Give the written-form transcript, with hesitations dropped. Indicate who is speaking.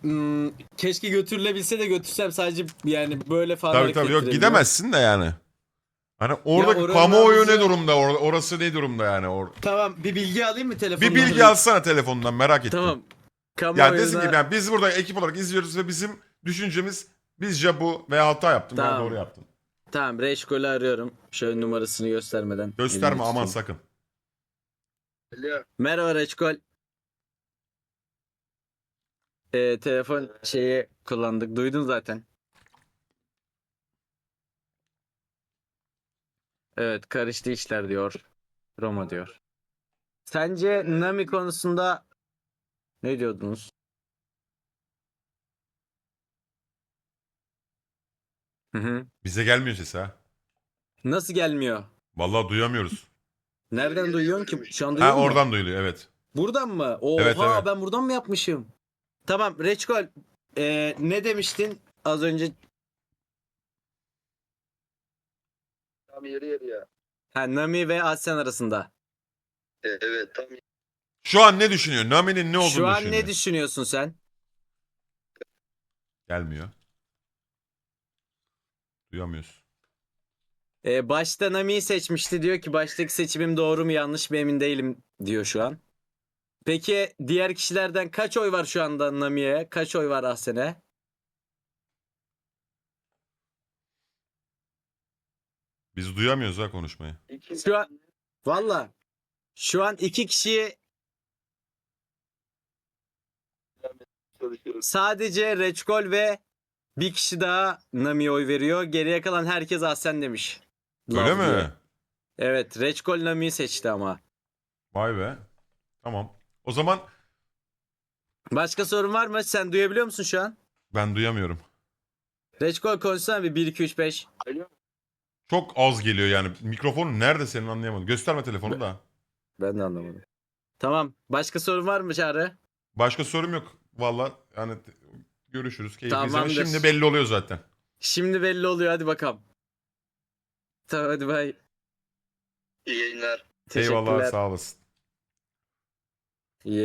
Speaker 1: keşke götürülebilse de götürsem, sadece yani böyle falan
Speaker 2: Tabii
Speaker 1: hareket
Speaker 2: tabii, yok
Speaker 1: ettirebiliyorum.
Speaker 2: gidemezsin de yani. Hani oradaki
Speaker 1: oranın
Speaker 2: kamuoyu ne
Speaker 1: nabzı-
Speaker 2: durumda? Orası ne durumda yani?
Speaker 1: Tamam, bir bilgi alayım mı
Speaker 2: Bir
Speaker 1: telefondan?
Speaker 2: bilgi alsana telefondan, merak ettim.
Speaker 1: Tamam.
Speaker 2: Yani desin ki
Speaker 1: Kamuoyuna
Speaker 2: yani biz burada ekip olarak izliyoruz ve bizim düşüncemiz bizce bu, veya hata yaptım veya doğru
Speaker 1: tamam.
Speaker 2: yaptım.
Speaker 1: Tamam, Reşkol'ü arıyorum. Şöyle numarasını göstermeden elimde
Speaker 2: Gösterme aman
Speaker 1: tutayım.
Speaker 2: sakın.
Speaker 3: Alo.
Speaker 1: Merhaba Reşkol. Telefon şeyi kullandık. Duydun zaten. Evet, karıştı işler diyor. Roma diyor. Sence Nami konusunda ne diyordunuz? Hı hı.
Speaker 2: Bize gelmiyor ses ha.
Speaker 1: Nasıl gelmiyor?
Speaker 2: Vallahi duyamıyoruz.
Speaker 1: Nereden duyuyorsun ki? Şu an duyuyor
Speaker 2: Ha,
Speaker 1: musun?
Speaker 2: oradan duyuluyor, evet.
Speaker 1: Buradan mı?
Speaker 2: Evet
Speaker 1: Oha,
Speaker 2: evet.
Speaker 1: ben buradan mı yapmışım? Tamam Reçkol, ne demiştin az önce?
Speaker 3: Tam yeri ya.
Speaker 1: Ha, Nami ve Asyan arasında.
Speaker 3: Evet tam
Speaker 2: Şu an ne düşünüyor? Nami'nin ne
Speaker 1: Şu
Speaker 2: olduğunu
Speaker 1: an ne
Speaker 2: düşünüyor.
Speaker 1: düşünüyorsun sen?
Speaker 2: Gelmiyor. Duyamıyoruz.
Speaker 1: Başta Nami'yi seçmişti, diyor ki baştaki seçimim doğru mu yanlış mı emin değilim diyor şu an. Peki diğer kişilerden kaç oy var şu anda Nami'ye? Kaç oy var Ahsen'e?
Speaker 2: Biz duyamıyoruz ha konuşmayı.
Speaker 1: Şu an valla şu an iki kişi,
Speaker 3: çalışıyoruz.
Speaker 1: sadece Reçkol ve bir kişi daha Nami'ye oy veriyor. Geriye kalan herkes Ahsen demiş.
Speaker 2: Öyle
Speaker 1: Love diye.
Speaker 2: mi?
Speaker 1: Evet, Reçkol Nami'yi seçti ama.
Speaker 2: Vay be. Tamam. O zaman
Speaker 1: Başka sorun var mı? Sen duyabiliyor musun şu an?
Speaker 2: ben duyamıyorum.
Speaker 1: Reçkol konuşsana bir 1 2 3 5.
Speaker 3: Alo.
Speaker 2: Çok az geliyor yani. Mikrofonun nerede senin, anlayamadım. Gösterme telefonu da.
Speaker 1: Ben de anlamadım. Tamam. Başka sorun var mı Çağrı?
Speaker 2: Başka sorum yok. Valla yani görüşürüz. Keyifli izleme.
Speaker 1: Tamamdır.
Speaker 2: Şimdi belli oluyor zaten.
Speaker 1: Şimdi belli oluyor, hadi bakalım. Tamam, hadi bay.
Speaker 3: İyi yayınlar.
Speaker 2: Eyvallah,
Speaker 1: Teşekkürler.
Speaker 2: sağ olasın.